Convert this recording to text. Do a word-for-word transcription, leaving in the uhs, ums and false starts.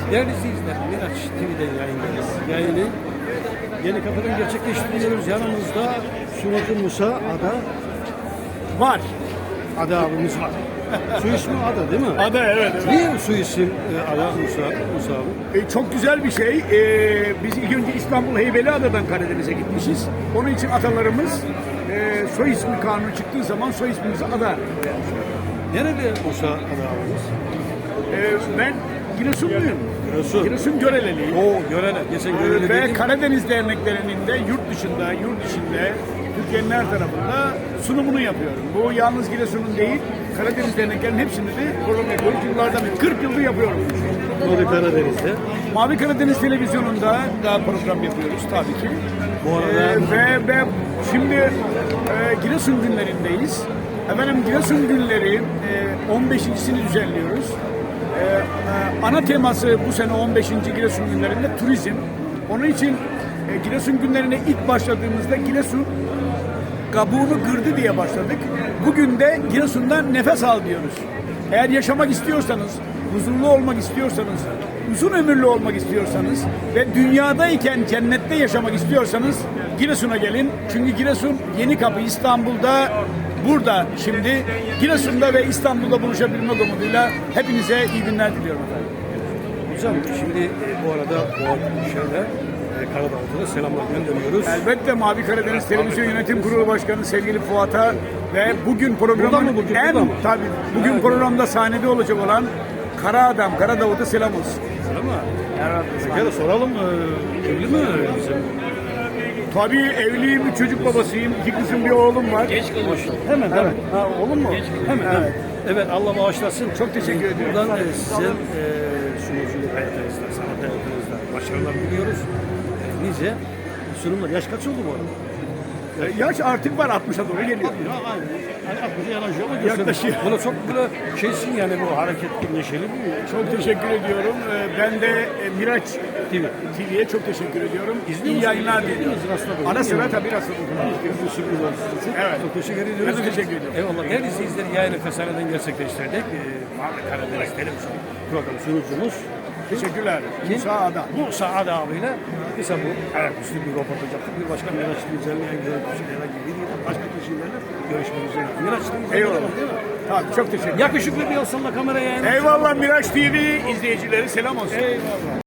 Değerli izleyiciler, Miraç T V'den yayındayız. Yayını Yeni Kapı'dan gerçekleştiriyoruz. Yanımızda Sunucu Musa Ada var. Ada abimiz var. Su ismi Ada değil mi? Ada, evet. evet. Niye su isim e, Ada Musa, Musa abi? E, çok güzel bir şey. E, biz ilk önce İstanbul Heybeliada'dan Karadeniz'e gitmişiz. Onun için atalarımız e, soy ismi kanunu çıktığı zaman soy ismimizi Ada. Nerede Musa Ada abimiz? E, ben Giresunluyum. Giresun. Giresun Göreleliyim. Oo, Görele. Geçen Görele E, ve dedik. Karadeniz derneklerinin de yurt dışında, yurt içinde, Türkiye'nin her tarafında sunumunu yapıyorum. Bu yalnız Giresun'un değil, Karadeniz derneklerinin hepsinde de program yapıyoruz. Yıllardan beri, kırk yıldır yapıyorum. Mavi Karadeniz'de. Mavi Karadeniz Televizyonu'nda da program yapıyoruz tabii ki. Bu arada Ee, ve, ve şimdi e, Giresun günlerindeyiz. Efendim Giresun günleri e, on beşincisini düzenliyoruz. E, e, ana teması bu sene on beşinci Giresun günlerinde turizm. Onun için e, Giresun günlerine ilk başladığımızda Giresun kabuğunu kırdı diye başladık. Bugün de Giresun'dan nefes al diyoruz. Eğer yaşamak istiyorsanız, huzurlu olmak istiyorsanız, uzun ömürlü olmak istiyorsanız ve dünyadayken cennette yaşamak istiyorsanız Giresun'a gelin. Çünkü Giresun Yeni Kapı İstanbul'da, burada şimdi Giresun'da ve İstanbul'da buluşabilmek umuduyla hepinize iyi günler diliyorum efendim. hocam şimdi e, bu arada bu şöyle e, Karadağ'da selamlar gönderiyoruz. Elbette Mavi Karadeniz Televizyon Yönetim Kurulu Başkanı sevgili Fuat'a ve bugün Burada programın mı bugün, en burada mı? tabii bugün Evet. programda sahnede olacak olan Kara Adam, Kara Davut'a selam olsun. Ama Evet. bir kere soralım e, evli mi bizim? Tabii evliyim, bir çocuk babasıyım, iki kızım bir oğlum var. Geç kılmışım. Hemen Evet. Ha, oğlum mu? Hemen. Evet. Evet. Evet, Allah bağışlasın. Çok teşekkür ediyorum. Buradan e, sizin e, sunuculuk hayatınızda, sanat hayatınızda başarılar diliyoruz. E, nice sunumlar. Yaş kaç oldu bu arada? Ee, Yaş artık var, altmışa doğru geliyor. Ya aynı. Yani altmışa yanaşıyor ama gösteriyor. Yaklaşıyor. Buna çok böyle şeysin yani bu hareketli, neşeli bir Çok teşekkür ediyorum. Ee, Ben de e, Miraç T V. T V'ye çok teşekkür ediyorum. İzliyor İyi musun? yayınlar İzliyor diliyorum. musun? Rastladın Ara mı? sıra tabii rastladım. Bir sürpriz olsun sizin için. Evet. Çok teşekkür ediyoruz. Ben de teşekkür ediyorum. Eyvallah. Her izleyicileri yayını Fesane'den gerçekleştirdik. Ee, Mavi Karadeniz Televizyon programı sunucumuz Teşekkürler. Musa Ada. Musa Ada abiyle kısa bu ayaküstü bir röportaj yaptık. Bir başka Miraç Güzel'le ilgili herhangi bir başka kişilerle görüşmek üzere. Miraç Eyvallah. değil mi? Tabii çok teşekkür ederim. Yakışıklı bir olsanla kameraya yayın. Eyvallah Miraç T V izleyicileri selam olsun. Eyvallah.